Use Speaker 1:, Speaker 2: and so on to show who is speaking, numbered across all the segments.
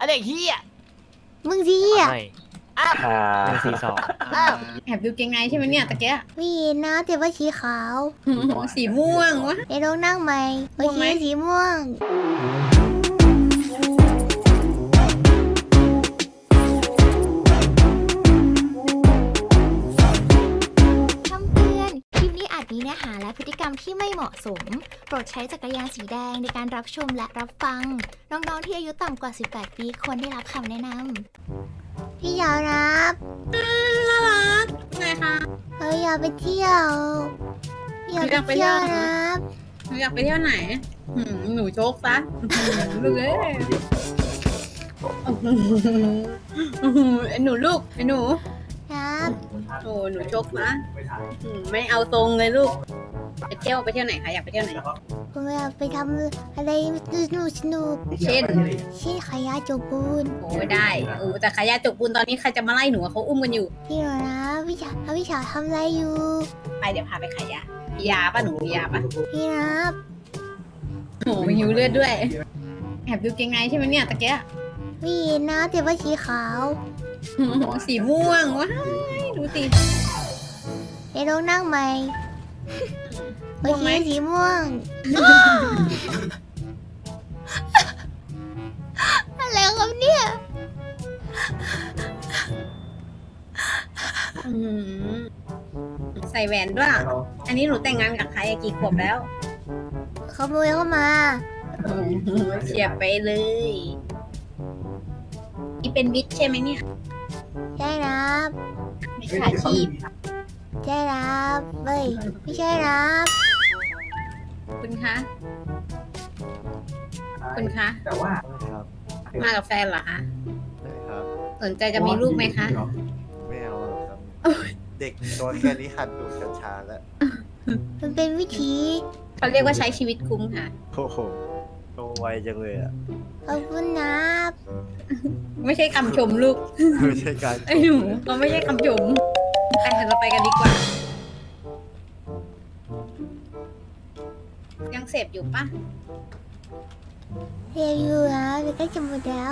Speaker 1: อันเด็กเฮีย
Speaker 2: มึงสิอ่ะ
Speaker 1: อ้าว
Speaker 3: 142
Speaker 1: อ้าว
Speaker 4: แอบดูเกงในใช่ไหมเนี่ยตะเกีย
Speaker 2: ไม่เห็นนะแต่ว่าสีขาว
Speaker 4: สีม่วงวะ
Speaker 2: เดี๋ยวลองนั่งใหม่โอ
Speaker 4: ม่วง
Speaker 2: เค
Speaker 4: ไหม
Speaker 2: สีม่วงคำเตือนคลิปนี้อาจมีเนื้อหาและพฤติกรรมที่ไม่เหมาะสม โปรดใช้จักรยานสีแดงในการรับชมและรับฟัง น้องๆที่อายุต่ำกว่า 18 ปีควรได้รับคำแนะนำพี่อยากรับ
Speaker 4: น่ารักไงคะ
Speaker 2: เฮ้ยอยากไปเที่ยวอยากไปเที่ยวรับ
Speaker 4: หนูอยากไปเที่ยวไหนหนูโชคซะลูกเอ้ยไอ้หนูลูกไอ้หนู
Speaker 2: รับ
Speaker 4: โอ้หนูโชคนะไม่เอาตรงเลยลูกไปเที่ยวไหนคะอยากไปเที่ยวไหน
Speaker 2: ผมอยากไปทำอะไรสนุก
Speaker 4: เช่น
Speaker 2: เช่นขายยาจกปูน
Speaker 4: โอ้ได้โอ้แต่ขายาจกปูนตอนนี้ใครจะมาไล่หนูอะเขาอุ้มกันอยู่
Speaker 2: พี่หนูนะพี่ฉาทำอะไรอยู่
Speaker 4: ไปเดี๋ยวพาไปขายยามียาป่ะหนูมียาป่ะ
Speaker 2: พี่รับ
Speaker 4: โอ้หิวเลือดด้วยแอบดูเกงในใช่ไหมเนี่ยตะเกีย
Speaker 2: ไม่เห็นนะแต่ว่าสีขาว
Speaker 4: สีม่วงว้ายดูสิ
Speaker 2: เดี๋ยวลองนั่งใหม่โอ
Speaker 4: ม่วง
Speaker 2: เค
Speaker 4: ไหม
Speaker 2: สีม่วง อะไรครับเนี่ย
Speaker 4: ใส่แหวนด้วย อันนี้หนูแต่งงานกับใครอะกี่ขวบแล้ว
Speaker 2: ขโมยเข้ามา
Speaker 4: เฉียบไปเลยนี่เป็นมิตรใช่ไหมเนี่ย
Speaker 2: ใช่รับ
Speaker 4: มิจฉาชีพ
Speaker 2: ใช่รับเฮ้ยไม่ใช่รับ
Speaker 4: คุณคะ คุณคะ
Speaker 5: แต่ว่า
Speaker 4: มากับแฟนเหรอคะ
Speaker 3: ครับ
Speaker 4: สนใจจะมีลูกไหมคะ
Speaker 3: ไม่เอาหรอกครับ เด็กตัวแค่นี้หัดดูดกัญชาแล้ว
Speaker 2: มันเป็นวิธี
Speaker 4: เขาเรียกว่าใช้ชีวิตคุ้มค่ะ
Speaker 3: โอ้โหโตไวจังเลยอ่ะ
Speaker 2: ขอบคุณนะ
Speaker 4: ไม่ใช่คำชมลูก
Speaker 3: ไม่ใช่การ
Speaker 4: ไอ้หนูเขาไม่ใช่คำชมไปเราไปกันดีกว่า ยังเสพอยู่ปะ
Speaker 2: เรียนอยู่นะเดี๋ยวใกล้จะหมดแล้ว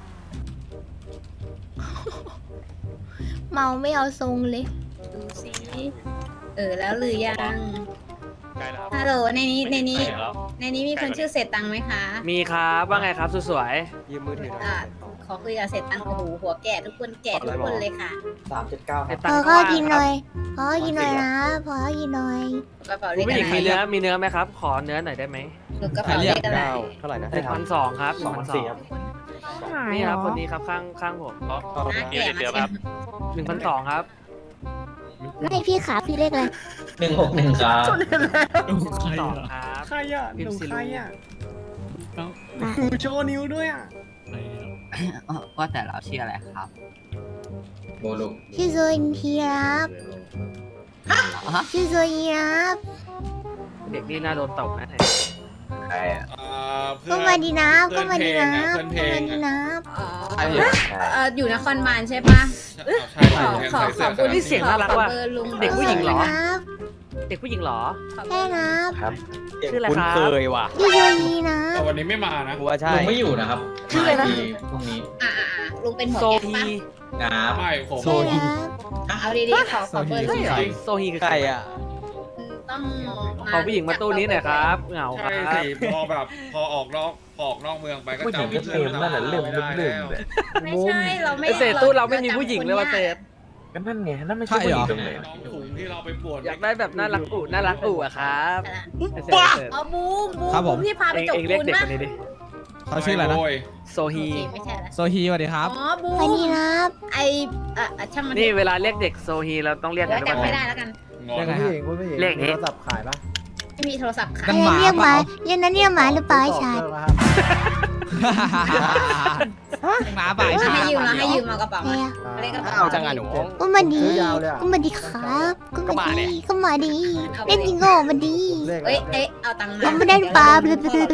Speaker 2: เมาไม่เอาทรงเลย
Speaker 4: ดูสิแล้วหรือยัง
Speaker 6: ใกล้แล้ว
Speaker 4: ฮัลโหลในนี้
Speaker 6: ใกล้แล้ว
Speaker 4: ในนี้มีคนชื่อเศษตังค์ไหมคะ
Speaker 1: มีครับว่าไงครับสวย
Speaker 3: ยืมมือถือหน่อย
Speaker 4: อ่าขอคุยกับเศษตังค์โอ้โหหัวแก่ทุกคนแก่ทุกคนเลยค่ะ
Speaker 1: ๆไอ้
Speaker 2: พ
Speaker 1: ตัง
Speaker 2: อ
Speaker 1: ค์
Speaker 2: ก็
Speaker 1: ว่าง
Speaker 2: กิน
Speaker 1: ค
Speaker 2: ห
Speaker 1: รับ
Speaker 2: น่อยพอกินหน่อยนะพอกินหน่อย
Speaker 4: กระเป๋าเล
Speaker 1: คุณ
Speaker 4: ข
Speaker 1: ผู้
Speaker 4: อะ
Speaker 1: หญิง
Speaker 4: ไร
Speaker 1: มีเนื้อไหมครับ ขอเนื้อหน่อยได้ไหม
Speaker 4: หนูกระเป๋าเลขอะไร
Speaker 3: เท่าไหร่นะ
Speaker 1: 1,200ครับ1,200นี่ครับคนนี้ครับข้างผม
Speaker 4: น่าเกลียด
Speaker 6: เดี๋ยว
Speaker 4: มา
Speaker 6: ครับ
Speaker 1: 1,200ครับ
Speaker 2: ไม่พี่ขาพี่เล็กเลย
Speaker 5: 161ครับ
Speaker 1: 2ครับ
Speaker 7: ใครอ่ะ
Speaker 1: พิ
Speaker 7: ห
Speaker 1: ม
Speaker 7: นู
Speaker 1: พ์สิ
Speaker 7: ใคร
Speaker 1: ลู
Speaker 7: อ่ะหนูโชว์นิ้วด้วยอ่ะ
Speaker 8: ว่าแต่เราชื่ออะไรครับ
Speaker 5: โบลู
Speaker 2: ชื่อโซนทีรับชื่อโซนีรับ
Speaker 1: เด็กนี่น่าโดนตบนะ
Speaker 5: ใครอ่ะ
Speaker 2: ก็มาดีนะก็มาดีนะ
Speaker 6: เพื่อนเพ
Speaker 2: ก็
Speaker 6: ล
Speaker 2: มาง ดีนะ
Speaker 4: อยู่นครบาลใช่ปะ
Speaker 6: ใช่
Speaker 4: ขอเบอร์
Speaker 1: นี่เสียงน่ารักว่ะ
Speaker 4: ขอเบอร์ลุง
Speaker 1: เด็กผู้หญิงเหรอ
Speaker 2: ครับ
Speaker 1: เด็กผู้หญิงเหรอ
Speaker 2: ใช่ครับ
Speaker 3: ครับ
Speaker 1: ชื่ออะไร
Speaker 3: คุ้น
Speaker 1: ครับ
Speaker 3: เคยว่ะ
Speaker 2: ชื่อโซนีนะ
Speaker 6: แต่วันนี้ไม่มานะ
Speaker 3: กูว่าใช่
Speaker 5: ลุงไม่อยู่นะครับ
Speaker 1: ชื่ออะไรนะ
Speaker 5: มาอีกทีพรุ่งนี้
Speaker 4: ลุงเป็นหัว
Speaker 1: โซ
Speaker 4: แก๊ง
Speaker 1: ฮี
Speaker 4: ปะ
Speaker 5: ครับ
Speaker 6: ไม่ผม
Speaker 2: ใช่ครับ
Speaker 4: เอาดีๆขอเบอร์ลุ
Speaker 1: ใช่
Speaker 4: ง
Speaker 1: เหร
Speaker 4: ห
Speaker 1: อ
Speaker 4: น่อย
Speaker 1: โซฮีคือ
Speaker 3: ใครอ่ะ
Speaker 4: ต้อง
Speaker 1: ขอผู้หญิงมาตู้นี้หน่อยครับเหงาค
Speaker 6: ใช่
Speaker 1: รับ
Speaker 6: สิพอแบบพอออกนอกเมืองไปก็
Speaker 3: ผู้หญิงก็
Speaker 6: จะ
Speaker 3: เต็มนั่นแหละเริ่ม
Speaker 6: ไม่ได้
Speaker 3: เริ่ม
Speaker 6: แล้ว
Speaker 3: เลย
Speaker 4: ไม่ใช่เราไม่
Speaker 1: ไอเศษตู้เราไม่มีผู้หญิงเลยว่าเศษ
Speaker 3: ก็นั่นไงนั่นไม่ใช่ผู้หญิงตรงไหน
Speaker 6: น้องถุงที่เราไปปวด
Speaker 1: อยากได้แบบน่ารักอู่อะครับไอเศษ
Speaker 4: อ๋อบูม
Speaker 7: ครับผม
Speaker 4: ที่พาไป
Speaker 1: เอง
Speaker 4: จก
Speaker 1: เองเรียก
Speaker 4: ปูน
Speaker 1: เด็ก
Speaker 4: ปะ
Speaker 1: คนนี้ดิ
Speaker 7: เขาชื่ออะไรนะ
Speaker 6: โย
Speaker 1: โซฮี
Speaker 4: โอเคไม่ใช่ละ
Speaker 7: โซฮีสวัสดีครับ
Speaker 4: อ๋อบูม
Speaker 2: สวัสดีครับ
Speaker 4: ไอช่างมัน
Speaker 1: นี่เวลาเรียกเด็กโซฮีเราต้องเรียก
Speaker 4: เดี๋
Speaker 1: กั
Speaker 4: ย
Speaker 1: น
Speaker 4: ว
Speaker 1: ด้วย
Speaker 4: จำไม่ได้แล้วกัน
Speaker 6: งอน
Speaker 7: ยังไง
Speaker 3: ผู้หญิงผู้หญิง
Speaker 1: เรียกนี้
Speaker 3: โทรศัพท์ขายปะ
Speaker 4: ไม่มีโทรศัพท์ค่ะ
Speaker 7: นั่
Speaker 2: อะ
Speaker 7: น
Speaker 2: ไร
Speaker 7: หมา
Speaker 2: เรียกห
Speaker 7: เป
Speaker 2: มา
Speaker 7: ล่า
Speaker 2: เรียกนั้นเรียกหมาหรือเปล่าไอ้ชาย
Speaker 7: หมาป่า
Speaker 4: ให้ยืมเราให้ยืมเอากระเป๋า
Speaker 2: ใคร
Speaker 4: มา
Speaker 2: อะ
Speaker 4: เลขกระเป๋า
Speaker 3: เอาจังอ่ะหนู
Speaker 2: ก็มาดี
Speaker 3: ซื้อยาวเลยอะ
Speaker 2: ก็มาดีครับก็มาดีก็มาดี
Speaker 4: เอาไป
Speaker 2: เล่นจริงโง่มาดี
Speaker 4: เอ้ยเอาตังค์มา
Speaker 2: เอาไม่ได้หรือเปล่า
Speaker 4: 947
Speaker 2: เล่นจ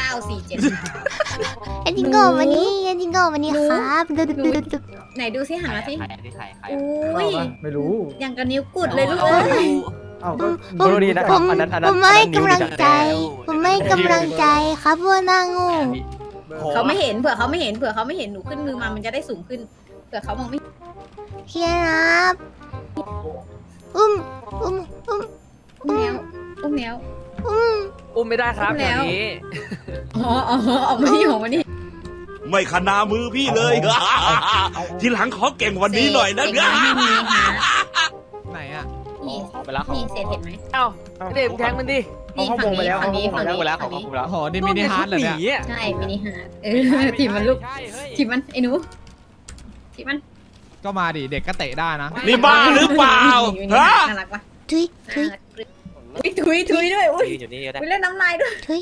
Speaker 2: ริงโง่มาดีเล่นจริงโง่มาดีครับ
Speaker 4: ไหนดูซิหันมาสิ
Speaker 8: ใครที่ใคร
Speaker 4: อุ้ย
Speaker 3: ไม่รู้
Speaker 4: อย่างกับนิ้วกุดเลยลูกเอ้ย
Speaker 3: เอ้าก็
Speaker 2: ผมผมไม่กำลังใจ ผมไม่กำลังใจครับพวกหน้าโง่
Speaker 4: ไเขาไม่เห็นเผื่อเขาไม่เห็นหนูขึ้นมือมามันจะได้สูงขึ้นเผื่อเขามองไม่
Speaker 2: เฮียครับอุ้ม
Speaker 4: อุ้มแมว
Speaker 1: อุ้มไม่ได้ครับ
Speaker 4: อุ้ม
Speaker 1: อ
Speaker 4: แล้ว
Speaker 1: ย่างนี้
Speaker 4: อ๋อออกมานี่
Speaker 9: ไม่ขนามือพี่เลย ทีหลังขอเก่งวันนี้หน่อยนะ
Speaker 4: เด็กน้อยไม่มีค่ะ
Speaker 7: ไหนอ่ะ
Speaker 4: นี่
Speaker 1: ขอไปแล้ว
Speaker 4: นี่เศษเห็นไหม
Speaker 1: เอ้าเด็กแทงมันดิ
Speaker 4: นี่ฝั่งนี้ฝั่งนี้ฝั่งนี้
Speaker 1: แล้ว
Speaker 4: ฝั่งนี้
Speaker 7: โอ้โหนี่มินิฮาร์ดเหรอเนี่ย
Speaker 4: ใช่มินิฮาร์ดถีบมันลูก
Speaker 1: ใช่เฮ้ย
Speaker 4: ถีบมันไอ้หนูถีบมัน
Speaker 7: ก็มาดิ เด็กก็เตะได้นะ
Speaker 9: นี่บ้าหรือเปล่า
Speaker 4: มินิ
Speaker 9: ฮะ
Speaker 4: ฮาร์ดน่ารักปะ
Speaker 2: ทุย
Speaker 4: น่ารักทุยด้วยอุ้ย
Speaker 1: อยู่นี่ก็ได้
Speaker 4: ไปเล่นน้ำลายด้วย
Speaker 2: ทุย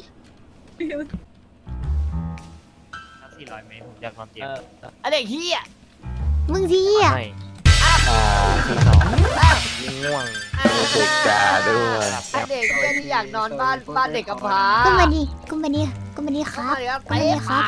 Speaker 1: 400 เมตรผมอยากความจริงไอเด็กเฮีย
Speaker 2: มึงดีอ่ะ
Speaker 1: ไม่42ง่วง
Speaker 3: เด็กด่าด้วย
Speaker 1: เด็กที่อยากนอนบ้านเด็กกำพร้า
Speaker 2: ก็มาดิครับก็มาดิครับ
Speaker 1: ไปปาก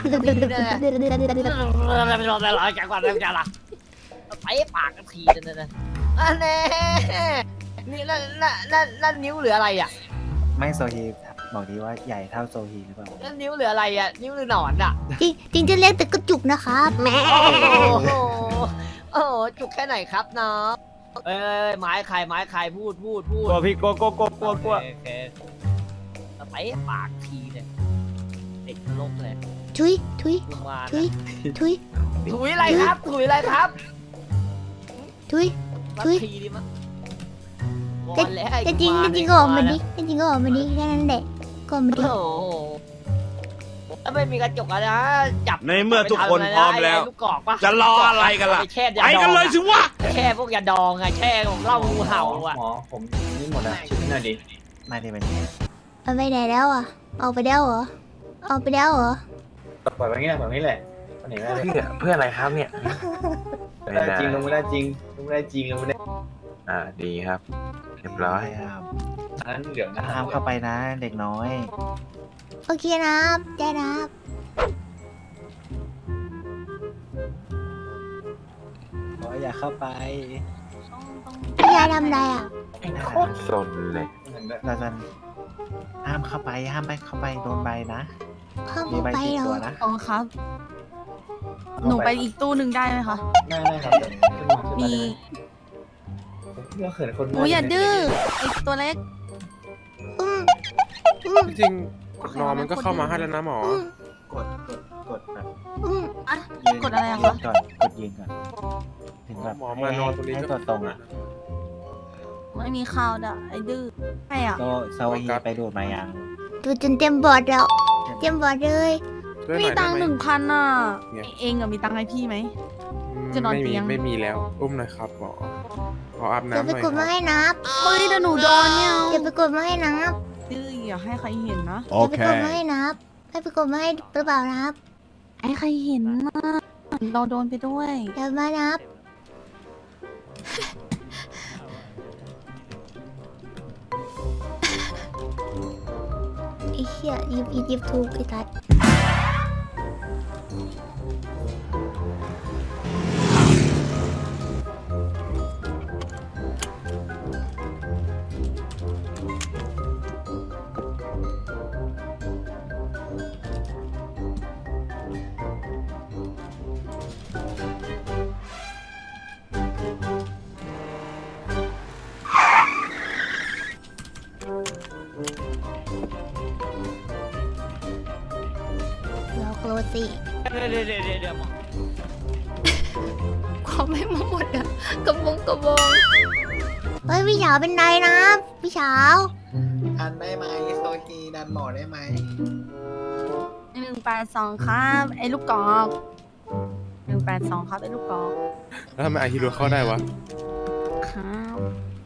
Speaker 1: แกกว่าเรื่องจะละไปปากกันทีนั่นอันนี้นี่นั่นนิ้วเหลืออะไรอ่ะ
Speaker 3: ไม่โซฮีบอกดีว่าใหญ่เท่าโซฮีหรือเปล่า
Speaker 1: นั่นนิ้วเหลืออะไรอ่ะนิ้วหรือหนอนอ่ะ
Speaker 2: จริงจะเรียกแต่กระจุกนะครับแม่
Speaker 1: โอ้โหจุกแค่ไหนครับน้องเอ้ยไม้ใครพูด
Speaker 3: กลัวพี่กลัว
Speaker 1: โอเคไปปากทีเนี่ยเด็กโลกเลย
Speaker 2: ทุย
Speaker 1: ลุงมา
Speaker 2: ถุย
Speaker 1: อะไรครับ
Speaker 2: ทุย
Speaker 1: สักทีดิมั้ง
Speaker 2: แต่จริงก็ออกมาดิแค่นั้นแหละก็ออกมาดิ
Speaker 1: โอ้โหถ้าไม่มีกระจกอะนะจับ
Speaker 9: ในเมื่อทุกคนพร้อมแล้ว
Speaker 1: ลูกกอกปะ
Speaker 9: จะรออะไรกันล่ะ
Speaker 1: ไปแช่ยา
Speaker 9: ไป
Speaker 1: ดอง
Speaker 9: กันเลยสิวะ
Speaker 1: แช่พวกยาดองอะแช่ของเหล้างูเห่าอะ
Speaker 5: หมอผมนี่หมดแล้วช่วยหน่อยดิ
Speaker 3: มาดิมัน
Speaker 2: เอาไปไหนแล้วอ่ะออกไปแล้วเหรอ
Speaker 5: ปล่อยไว้งี้แหละวันไหนไม่ได้
Speaker 3: เพื่ออะไรครับเนี่ย
Speaker 5: ไม่ได้จริงลงไม่ได้จริงลงไม่ได้จริงลงไม่ได้
Speaker 3: ดีครับ เรียบร้อย
Speaker 5: อันนั้นเดี๋ยวนะ
Speaker 3: ห้ามเข้าไปนะ เด็กน้อย
Speaker 2: โอเคนะครับได้นะครับ
Speaker 3: อย่าเข้าไป
Speaker 2: พี่ชายทำอะไรอ่ะ
Speaker 3: โคตรสนเลยเราจะห้ามเข้าไปโดนใบนะ
Speaker 2: เข้า
Speaker 3: มีใบ
Speaker 2: ไป
Speaker 3: ติด
Speaker 2: เหร
Speaker 3: ตัว
Speaker 2: อ
Speaker 3: นะ
Speaker 10: อ๋อครับ หนูไปอีกตู้หนึ่งได้ไหมคะ
Speaker 5: ได้ครับ
Speaker 10: มี
Speaker 5: ก็เขินคน
Speaker 10: หนูอย่าดื้อไอตัวเล็ก
Speaker 2: อืม
Speaker 6: จริงๆนอมันก็เข้ามาให้แล้วนะหมอ
Speaker 3: กดแบบ
Speaker 10: อ่ะ
Speaker 3: ยืน
Speaker 10: กดอะไรอะ
Speaker 3: ยื
Speaker 10: คะ
Speaker 3: นก่อนกดยืนก่อนถึงแบบ
Speaker 6: หมอมานอนตรงนี้
Speaker 3: ให้
Speaker 6: ก็
Speaker 3: ตัวตรงอ่ะ
Speaker 10: ไม่มีข่าวด่ะไอดื้อใช่อ่ะ
Speaker 3: โซฮีไปดูดมายัง
Speaker 2: ดูจนเต็มบอร์ดแล้วเต็มบอร์ดเลย
Speaker 6: ช่วยห
Speaker 10: มี
Speaker 6: น่อย
Speaker 10: ตังค์
Speaker 6: ได้ไหม
Speaker 10: 1,000อ่ะ
Speaker 6: เนี่ย
Speaker 10: เองอะมีตังค์ให้พี่ไหม จะนอน
Speaker 6: ไม่
Speaker 10: เตี
Speaker 6: มี
Speaker 10: ยง
Speaker 6: ไม่มีแล้ว อุ้มหน่อยครับหมอขออาบ
Speaker 2: เดี๋ยว
Speaker 6: น้ำห
Speaker 2: ไป
Speaker 6: น่อย
Speaker 2: กด
Speaker 6: ค
Speaker 2: มา
Speaker 6: รับ
Speaker 2: ให้นับ
Speaker 10: เฮ้ยแต่หนูโดนเนี่ย
Speaker 2: เดี๋ยวไปกดมาให้นับ
Speaker 10: ดื้ออย่าให้ใครเห็นนะ
Speaker 2: เดี๋ยวไปกดมาให้นับให้ไปกดมาให้หรือเปล่านับ
Speaker 10: ไอ้ใครเห็นนะเราโดนไปด้วย
Speaker 2: เดี๋ยวมานับไอ้เหี้ยหยิบถูกไอ้ทัดล็อกโรสิ
Speaker 1: เดี๋ยว
Speaker 2: ความไม่มาหมดอะกระบงเฮ้ยพี่เฉาเป็นไรนะพี่เฉา
Speaker 3: ดันได้ไหมโซฮีดันหมอได้ไหม
Speaker 10: 182ครับไอ้ลูกกอก182ครับไอ้ลูกกอก
Speaker 6: แล้วทำไมอาฮิโร่เข้าได้วะ
Speaker 10: ครับ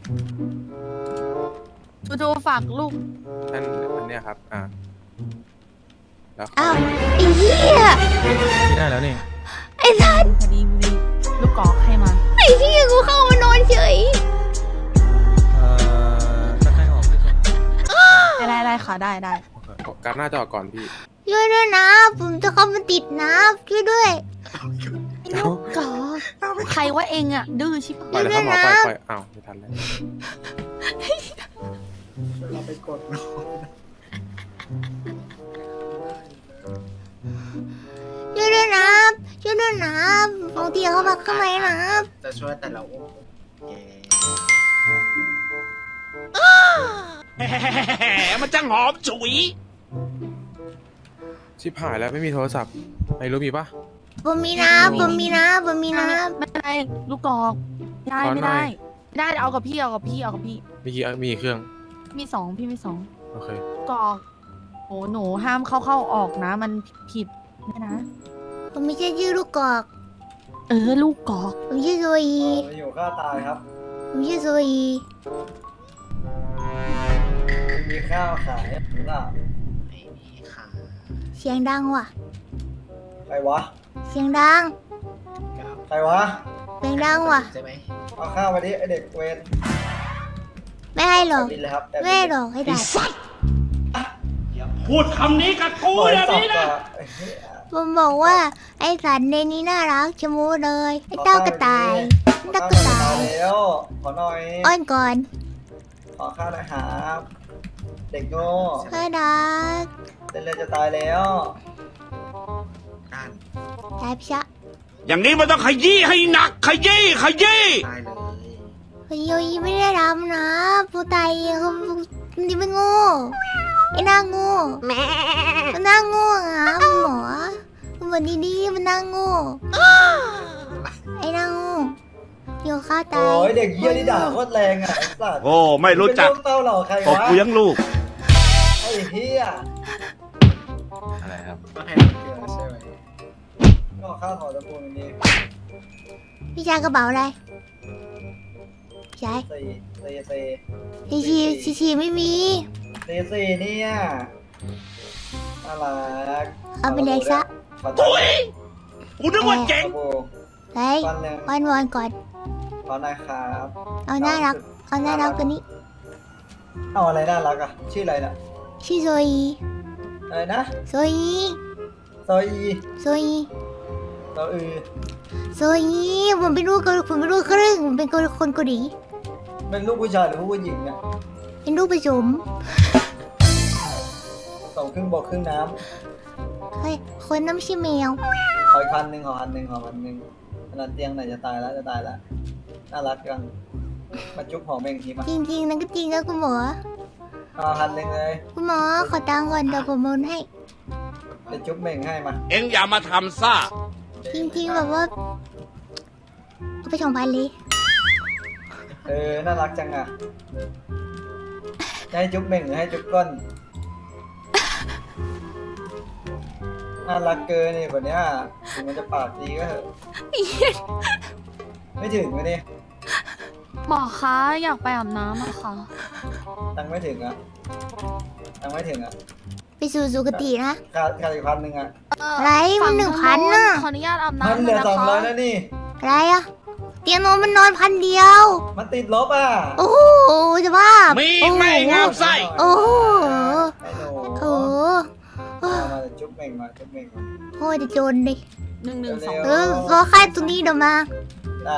Speaker 10: ทูฝากลูก
Speaker 6: อันเนี้ยครับแล้ว
Speaker 2: อ้าวไอ้เหี้ย
Speaker 7: ได้แล้วนี่
Speaker 2: ไอ้ทัด
Speaker 10: พอดีมีลูกกอกให้มา
Speaker 2: ไอ้เหี้ยกูเข้ามานอนเฉย
Speaker 7: ก็ให้ออกที่สุด
Speaker 10: ได้ค่ะได้
Speaker 6: การหน้าจอก่อนพี่
Speaker 2: ช่วยด้วยนะผมจะเข้ามาติดนะช่วยด้วย
Speaker 10: ลูกกอกใครว่าเองอ่ะ ดื้อชิบ
Speaker 6: ปล่อยเลยครับหมอ
Speaker 2: เดี๋ยวนะ
Speaker 6: ปล่อยอ้าวไม่ทันแล้ว
Speaker 3: เราไปกด
Speaker 2: นะบางทีเขามาข้างในนะ
Speaker 3: จะช่วยแต่เราอุ้มแก
Speaker 9: มันจะหอมฉุย
Speaker 6: ชิบหายแล้วไม่มีโทรศัพท์ไอ้รู้มีปะ
Speaker 2: ผมมีนะผมมีนะผมมีนะ
Speaker 10: ไม่ได้ลูกกอกไม่ได้
Speaker 6: ขอหน่
Speaker 10: ไม่
Speaker 6: อย
Speaker 10: ได้ไม่ได้เอากับพี่เอากับพี่เอากับพี่
Speaker 6: มีกี่เครื่อง
Speaker 10: มีสองพี่มีสอง
Speaker 6: โอเค
Speaker 10: ลูกกอกโอ้หนูห้ามเข้าออกนะ มันผิดนะ
Speaker 2: ผมไม่ใช่ชื่อลูกกอก
Speaker 10: ลูกกอก
Speaker 2: ผมชื่อโซอี
Speaker 5: มาอยู่ข้าตายครับ
Speaker 2: ผมชื่อโซอี
Speaker 5: มีข้าวขายหรือเปล่า
Speaker 3: ไม่มีค่ะ
Speaker 2: เสียงดังว่ะ
Speaker 5: ใครวะ
Speaker 2: เสียงดัง
Speaker 5: ใครวะ
Speaker 2: เสียงดังว่ะ
Speaker 3: ใช่ไหม
Speaker 5: เอาข้าวมาดิไอเด็กเวร
Speaker 2: ไม่ให้หรอก
Speaker 5: บินเลยครับ
Speaker 2: ไม่ให้หรอกให้ได้
Speaker 9: พูดคำนี้กับกู
Speaker 5: โอ้ย
Speaker 9: เดี๋ยว
Speaker 5: สอบ
Speaker 9: นี้
Speaker 5: ก่
Speaker 9: นะ
Speaker 5: อน
Speaker 2: ผมบอกว่าไอ้สัตว์ในนี้น่ารักชะมูเลยไอ้เต้ากระต่ายเต้ากระต่าย
Speaker 5: แล้วขอหน่อย
Speaker 2: อ้อนก่อน
Speaker 5: ขอข้าวหน่อยครับเด็กโง่
Speaker 2: น่ารัก
Speaker 5: เต้นเลยจะตายแล้ว
Speaker 3: การ
Speaker 2: ตายพิชะ
Speaker 9: อย่างนี้มันต้องขยี้ให้หนัก ขยี้ ขยี้
Speaker 3: ตายเลย
Speaker 2: พยอยไม่ได้ทำนะผู้ตายเขานี่ไม่โง่ไอ้หน้าโง่มันหน้าโง่อ่ะหมอมันดีๆมันหน้าโง่ไอ้หน้าโง่เดี๋ยวข้าตา
Speaker 5: โอ้
Speaker 2: ย
Speaker 5: ยเด็กเยี่ยนี่ด่าโคตรแรงอ่ะไอ้สัตว์
Speaker 9: โอ้ ไม่รู้จัก
Speaker 5: เป็นลูเต้าเหล่าใคร
Speaker 9: ตบ
Speaker 5: วะ
Speaker 9: กูยังลูก
Speaker 5: ไอ้เฮีย
Speaker 8: อะไรครับ
Speaker 3: ก็ให้เกี่ยวใช่ไหม
Speaker 5: ก็ข้าวขอตะปูนนี้
Speaker 2: พี่ชายกระเป๋าอะไรพี่ชาย ชีไม่มี
Speaker 5: สี่เนี่ยน่ารัก
Speaker 2: เอาเป็นเด็กซะ
Speaker 5: ขอ
Speaker 9: ตุ้ย กูนึกว่าเจ๋ง
Speaker 5: ตะปู
Speaker 2: เฮ้ย
Speaker 5: วันหนึ่ง
Speaker 2: วันก่อน
Speaker 5: ขอหน่อยครับ
Speaker 2: เอาน่ารักเอาน่ารักกว่านี้
Speaker 5: เอาอะไรน่ารักอ่ะ ชื่ออะไรน่ะ
Speaker 2: ชื่อโซอี
Speaker 5: อะไรนะ
Speaker 2: โซอี
Speaker 5: โซอี
Speaker 2: โซอี
Speaker 5: โซอือ
Speaker 2: โซอีผมเป็นลูกผมเป็นลูกครึ่งผมเป็นคนเกาหลี
Speaker 5: เป็นลูกผู้ชายหรือผู้หญิงเนี่ย
Speaker 2: เป็นลูกผสม
Speaker 5: สองครึ่งบกครึ่งน้
Speaker 2: เฮ้ยคนน้ำชื่อแมว
Speaker 5: ำขออีกพันหนึ่งอันนั้นเตียงไหนจะตายแล้วน่ารักจังมาจุ๊บหอมเองทีมา
Speaker 2: จริงๆนั่นก็จริงนะคุณหมอ
Speaker 5: เอาพันหนึ่งเลย
Speaker 2: คุณหมอขอตังค์ก่อนเดี๋ยวผมโอนให้
Speaker 5: จะจุ๊บเม่งให้มา
Speaker 9: เอ็งอย่ามาทำซ่า
Speaker 2: จริงๆแบบว่าเอาไป2,000เลย
Speaker 5: น่ารักจังอ่ะจะให้จุ๊บเม่งหรือให้จุ๊บก้นน่ารักเกินนี่แบบเนี้ยถึงมันจะปากดีก็เถอะไม่ถึงไหมเนี่ย
Speaker 10: หมอคะอยากไปอาบน้ำอะค่ะ
Speaker 5: ตังค์ไม่ถึงอ่ะตังค์ไม่ถึงอ่ะ
Speaker 2: ไปสู่สุคตินะ
Speaker 5: ขาดอีกพันหนึ่งอ่ะ
Speaker 2: อะไรมัน1,000น่ะ
Speaker 10: ขออนุญาตอาบ
Speaker 5: มัน
Speaker 10: น้ำ
Speaker 5: เหลือ
Speaker 10: นะ
Speaker 5: 200
Speaker 10: คะ
Speaker 5: แล้วนี่
Speaker 2: อะไรอะเตียงนอนมันนอน1,000เดียว
Speaker 5: มันติดลบอ่ะ
Speaker 2: โอ้โหจะบ้า
Speaker 9: มี
Speaker 2: โอ้โห
Speaker 9: ไม่งามไส้
Speaker 2: โอ้โห
Speaker 5: ไอ้หนู
Speaker 2: โอ้โห
Speaker 5: มาจุ๊บเม่งมาจุ๊บเม่งมา
Speaker 2: โอ้ยจะจนดิ
Speaker 10: 112
Speaker 2: เออรอค่ายตรงนี้เดี๋ยวมา
Speaker 5: ได้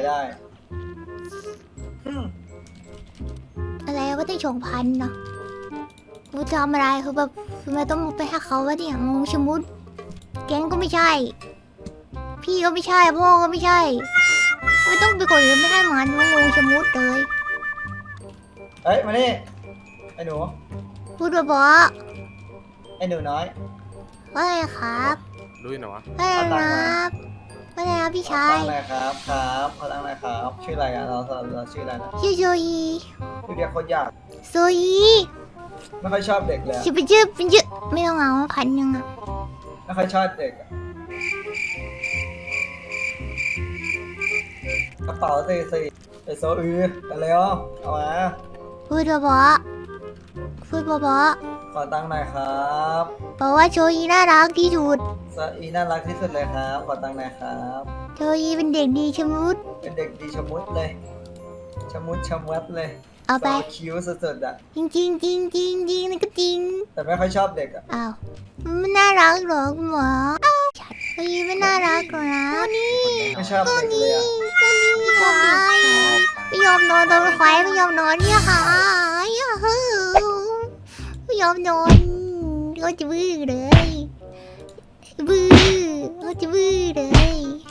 Speaker 2: อะไรก็ได้2,000เนาะกูจะทำอะไรคือแบบทำไมต้องไปให้เขาวะเนี่ยงงชะมุดแก๊งก็ไม่ใช่ พี่ก็ไม่ใช่พ่อก็ไม่ใช่ไม่ต้องไปกดหรือไม่ให้มันงงชะมุดเลย
Speaker 5: เฮ้ยมานี่ไอ้หนู
Speaker 2: พูดว่าบอ
Speaker 5: ไอ้หนูน้อย
Speaker 2: ว่าไงครับ
Speaker 6: รู้อยู่ไหนวะ
Speaker 2: ว่าไงครับว่าไงครับพี่ชาย
Speaker 5: ขอตั้งหน่อยครับขอตั้งหน่อยครับชื่ออะไรอ่ะเราชื่ออะไรนะ
Speaker 2: ชื่อโซอี
Speaker 5: ชื่อเรียกโคตรยาก
Speaker 2: โซอี
Speaker 5: ไม่ค่อยชอบเด็กเลยอะ
Speaker 2: ชื่อเป็นชื่อไม่ต้องเอา1,000อะ
Speaker 5: ไม่ค่อยชอบเด็กอะกระเป๋าสี่ไอโซอืออะไรอ่ะเอามา
Speaker 2: พูดว่าบอพูดว่าบอ
Speaker 5: ขอตั้งหน่อยครับ
Speaker 2: บอกว่าโซอีน่ารักที่สุด
Speaker 5: โซอีน่ารักที่สุดเลยครับขอตั้งหน่อยครับ
Speaker 2: โซอีเป็นเด็กดีชะมุด
Speaker 5: เป็นเด็กดีชะมุดเลยชะมุดชะมวดเลย
Speaker 2: เอาไป
Speaker 5: โซคิ้วสุดๆอ่ะ
Speaker 2: จริงจริงจริงจริงจริงนั่นก็จริง
Speaker 5: แต่ไม่ค่อยชอบเด็กอ่ะ
Speaker 2: อ้าวมันไม่น่ารักหรอคุณหมอโซอีไม่น่ารักหรอกนะนี่
Speaker 5: ไม่ชอบเด็กเลยอ่ะ
Speaker 2: ควายไม่ยอมนอนตอนควายไม่ยอมนอนเนี่ยค่ะไม่ยอมนอนก็จะบื้อเลยบื้อก็จะบื้อเลย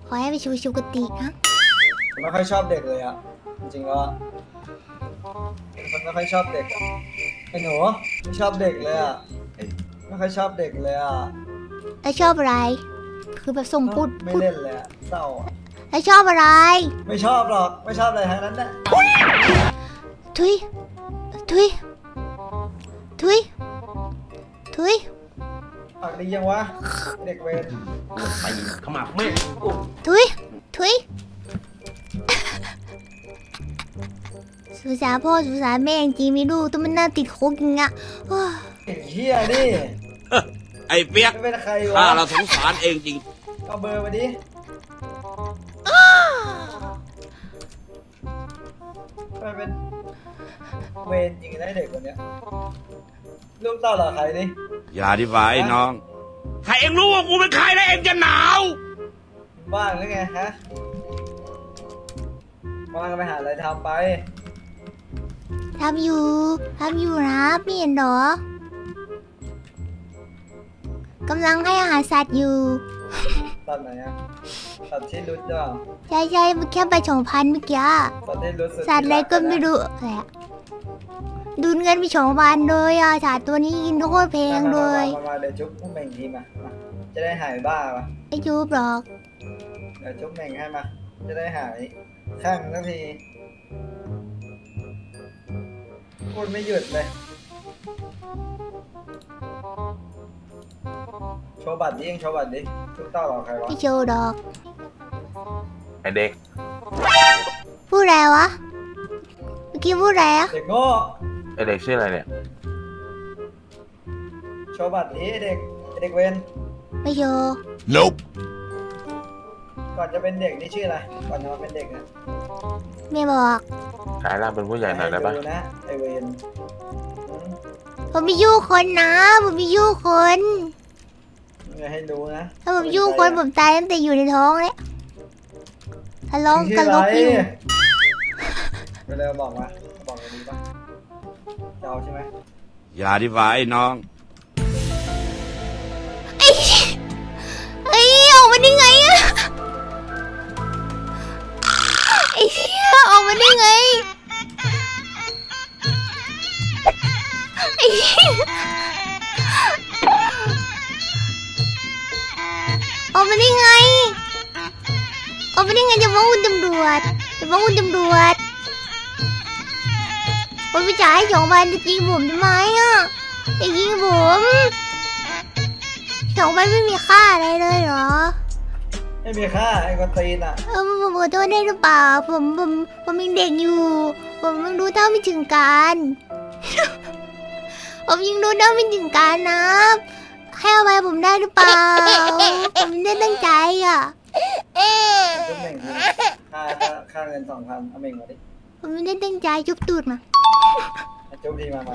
Speaker 2: ขอให้ไปชูกตินะ
Speaker 5: ผมไม่ค่อยชอบเด็กเลยอ่ะจริงๆแล้วอะผมไม่ค่อยชอบเด็กอะไอ้หนูไม่ชอบเด็กเลยอ่ะไม่ค่อยชอบเด็กเลยอ่ะ
Speaker 2: แล้วชอบอะไร คือแบบส่งพูด
Speaker 5: ไม่
Speaker 2: พูด
Speaker 5: เล่นเลยอ่ะเศร้าอะ
Speaker 2: แล้วชอบอะไร
Speaker 5: ไม่ชอบหรอกไม่ชอบอะไรทั้งนั้นแหละ
Speaker 2: ทุยทุยทุยทุย
Speaker 5: ปากดียังวะเด็กเวร
Speaker 8: ไปขมับไม่
Speaker 2: ทุยทุยสุสานพ่อสุสานแม่จริงๆไม่รู้ต้องมันน่าติดคุกอย่างเงี้ยโอ้ย
Speaker 5: ไอ้เหี้ยนี่
Speaker 9: ไอ้เปียก
Speaker 5: ไม่เป็นใคร
Speaker 9: ข้าว
Speaker 5: ะ
Speaker 9: เราสงสารเองจริง
Speaker 5: เอาเบอร์มาดิมันเป็นเวรจริงนะเด็กคนเนี้ยลูกเต้าเหรอใครดิ
Speaker 9: อย่าดีฝ่าไอ้น้อง ถ้าเองรู้ว่ากูเป็นใครแล้วเองจะหนาว
Speaker 5: บ้านหรือไงฮะว่างก็ไปหาอะไรทำไป
Speaker 2: ทำอยู่นะไม่เห็นเหรอกำลังให้อาหารสัตว์อยู่
Speaker 5: ตัดไหนอะตัดที่รุดจ้ะ
Speaker 2: ใช่แค่ไป2,000เมื่อกี้
Speaker 5: ตัดที่รุดสุด
Speaker 2: สัตว์อะไรก็ไม่รู้อะไรอะดูดเงินไป2,000เลยอ่ะสัตว์ตัวนี้กินโคตรแพงเลย
Speaker 5: มาเดี๋ยวจุ๊บพวกเม่งทีมาจะได้หายบ้าปะ
Speaker 2: ไม่จูบหรอก
Speaker 5: เดี๋ยวจุ๊บเม่งให้มา จะได้หายข้างสักทีพูดไม่หยุดเลย โชว์บัตรดิยังโชว์บัตรดิทุกเต้าหรอใครวะ
Speaker 2: ไม่โชว์ดอก
Speaker 8: ไอเด็ก
Speaker 2: พูดอะไรวะเมื่อกี้พูดอะไรอะ
Speaker 5: เด็กโง่
Speaker 8: ไอเด็กชื่ออะไรเนี่ย
Speaker 5: โชว์บัตรดิเด็กเด็กเวน
Speaker 2: ไม่โชว์
Speaker 9: Nope
Speaker 5: ก่อนจะเป็นเด็กนี่ชื่ออะไร ก่อนจะมาเป็นเด็กนะ
Speaker 2: ไม่บอก
Speaker 8: กลายร่างเป็นผู้ใหญ่หน่อยได้ปะ
Speaker 5: ดูนะไอเวน
Speaker 2: ผมไม่ยุ่งคนนะผมไม่ยุ่งคน
Speaker 5: อย่าให้รู้นะ
Speaker 2: ถ้าผมยุ่งคนผมตายตั้งแต่อยู่ในท้องเลยทะเลาะกันลบอยู่
Speaker 5: ไปเลยบอกมาบอกกันดีป่ะจะเอาใช่ไหม
Speaker 9: อย่าดีฝ่าไอ้น้อง
Speaker 2: ไอ้ออกมาได้ไงอะไอ้เหี้ยออกมาได้ไงไอ้เหี้ยออกมาได้ไงออกมาได้ไงจะฟ้องคุณตำรวจผมไปจ่ายให้2,000จะยิงผมทำไมอ่ะจะยิงผม2,000ไม่มีค่าอะไรเลยเหรอ
Speaker 5: ไม่มีค่าไอ้กวนตีนอ่ะ
Speaker 2: ผมขอโทษได้หรือเปล่าผมยังเด็กอยู่ ผมยังรู้เท่าไม่ถึงการ ผมยังรู้เท่าไม่ถึงการนะให้อภัยผมได้หรือเปล่า ผมไม่ได้ตั้งใจอ่ะ
Speaker 5: จุ๊บเม่งทีค่าเงิน2,000เอาเม่งมาดิ
Speaker 2: ผมไม่ได้ตั้งใจจุบตูดมา
Speaker 5: จุ๊บทีมา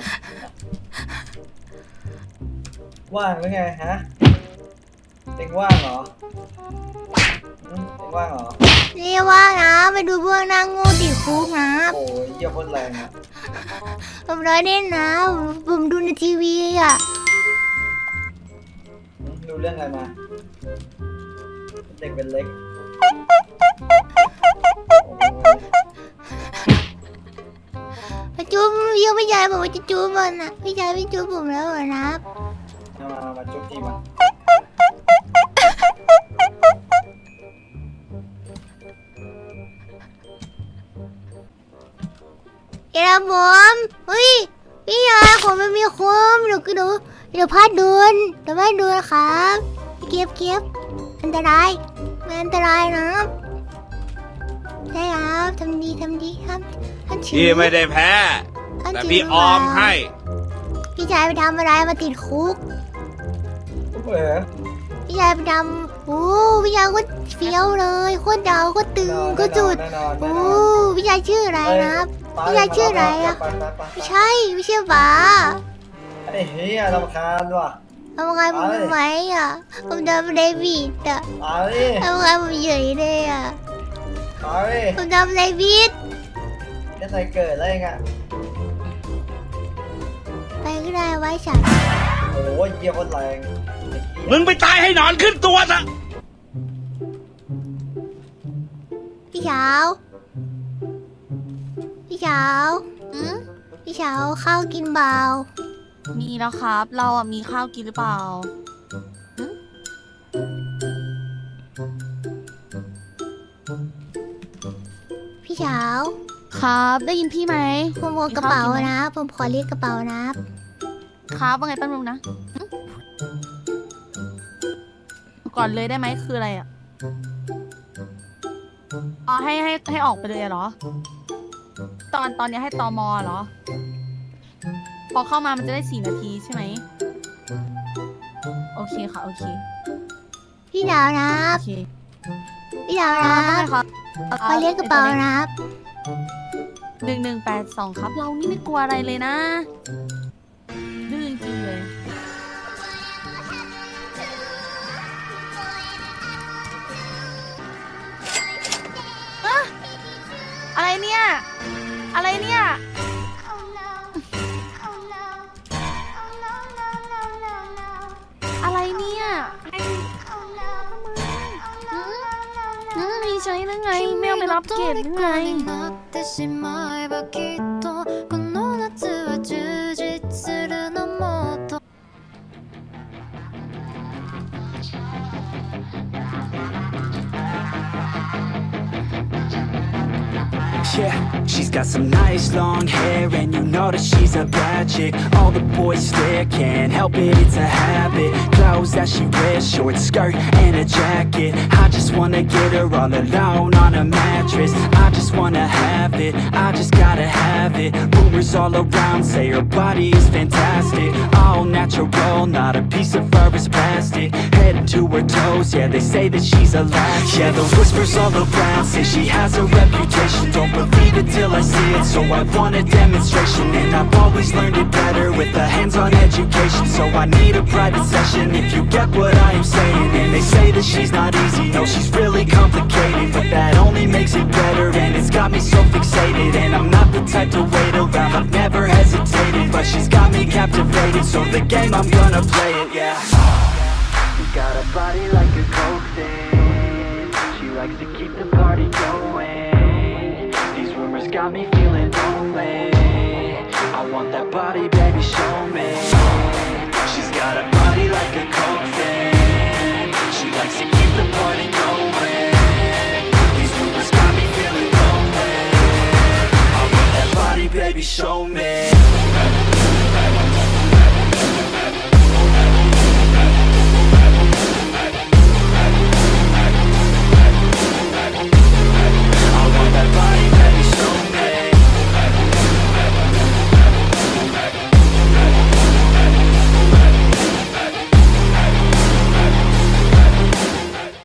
Speaker 5: ว่างหรือไงฮะเอ็งว่างเหรอเอ็งว่างเหรอ
Speaker 2: นี่ว่านะไปดูพวกนางโง่ติดคุกนะ
Speaker 5: โอ้ยเยี่ยโคตรแรงอ่ะ
Speaker 2: ผมร้อยเล่นนะผมดูในทีวีอ่ะ
Speaker 5: ดูเรื่องอะไรมา เด็กเป็นเล็ก
Speaker 2: มาจูบยังไม่ยายบอกว่าจะจูบมันนะพี่ชายไม่จูบผมแล้วเหรอนะ
Speaker 5: มาจุ๊บทีมา
Speaker 2: เดี๋ยวผมเฮ้ยพี่ชายผมไม่มีคมเดี๋ยวพลาดโดนครับเก็บอันตรายมันอันตรายนะใช่ครับทำดีครับท่านถื
Speaker 9: พี่ไม่ได้แพ้ แต่พี่ออมให้
Speaker 2: พี่ชายไปทำอะไรมาติดคุก พี่ชายไปทำโอ้พี่ชายก็เฟี้ยวเลยโคตรดาวก็ตึงก็จุดโอ้พี่ชายชื่ออะไรนะครับพี่ชายชื่ออะไรอะไม่ใช่ป๋า
Speaker 5: ไอ้เฮียรำคาญว่ะ
Speaker 2: ทำไงผมทำไมอะผมทำอะไรผิดอะ
Speaker 5: มาดิ
Speaker 2: ทำไงผมเฉยเลยอะ
Speaker 5: มาดิ
Speaker 2: ผมทำอะไรผิด
Speaker 5: จะใส่เกิดอะไรเงี้ย
Speaker 2: ไปก็ได้ไว้ฉัน
Speaker 5: โอ้ยเยี่ยโคตรแรง
Speaker 9: มึงไปตายให้หนอนขึ้นตัวซะ
Speaker 2: พี่เช้าพี่เช้าพี่เช้าข้าวกินเบา
Speaker 10: มีแล้วครับ เราอ่ะมีข้าวกินหรือเปล่า
Speaker 2: พี่เช้า
Speaker 10: ครับ ได้ยินพี่ไหม
Speaker 2: ผมวงกระเป๋านะผมขอเรียกกระเป๋านะครับ
Speaker 10: ว่าไงแป๊บนึงนะก่อนเลยได้ไหมคืออะไรอ่ะอ๋อให้ออกไปเลยเหรอ ตอนนี้ให้ตมเหรอ พอเข้ามามันจะได้4 นาทีใช่ไหมโอเคค่ะโอเค
Speaker 2: พี่ดาวนะ
Speaker 10: โอเค
Speaker 2: พี่ดาว
Speaker 10: ค
Speaker 2: นะ
Speaker 10: รับครับ
Speaker 2: ขอเรียกกระเป๋านะครับ
Speaker 10: 1182ครับ เรานี่ไม่กลัวอะไรเลยนะดื้อจริงๆเลยอะอะไรเนี่ย อะไรเนี่ย อะไรเนี่ยมีใช้ได้ไงแมวไม่รับเกตได้ไง
Speaker 9: Yeah, she's got some nice long hair, and you know that she's a bad chick. All the boys stare, can't help it, it's a habit. Clothes that she wears, short skirt and a jacket. I just wanna get her all alone on a mattress. I just wanna have it, I just gotta have it. Rumors all around say her body is fantastic. All natural, not a piece of fur is plastic. Head to her toes, yeah, they say that she's a latch. Yeah, those whispers all around say she has a reputation. Don't believe it till I see it, so I want a demonstration. And I've always learned it better with a hands-on education. So I need a private session if you get what I am saying. And they say that she's not easy, no, she's really complicated. But that only makes it better, and it's got me so fixated. And I'm not the type to wait around, I've never hesitated. But she's got me captivated, so the game, I'm gonna play it, yeah. She got a body like a coke thing. She likes to keep the party going. These rumors got me feeling lonely. I want that body, baby, show me. She's got a body like a coke thing. She likes to keep the party going. These rumors got me feeling lonely. I want that body, baby, show me.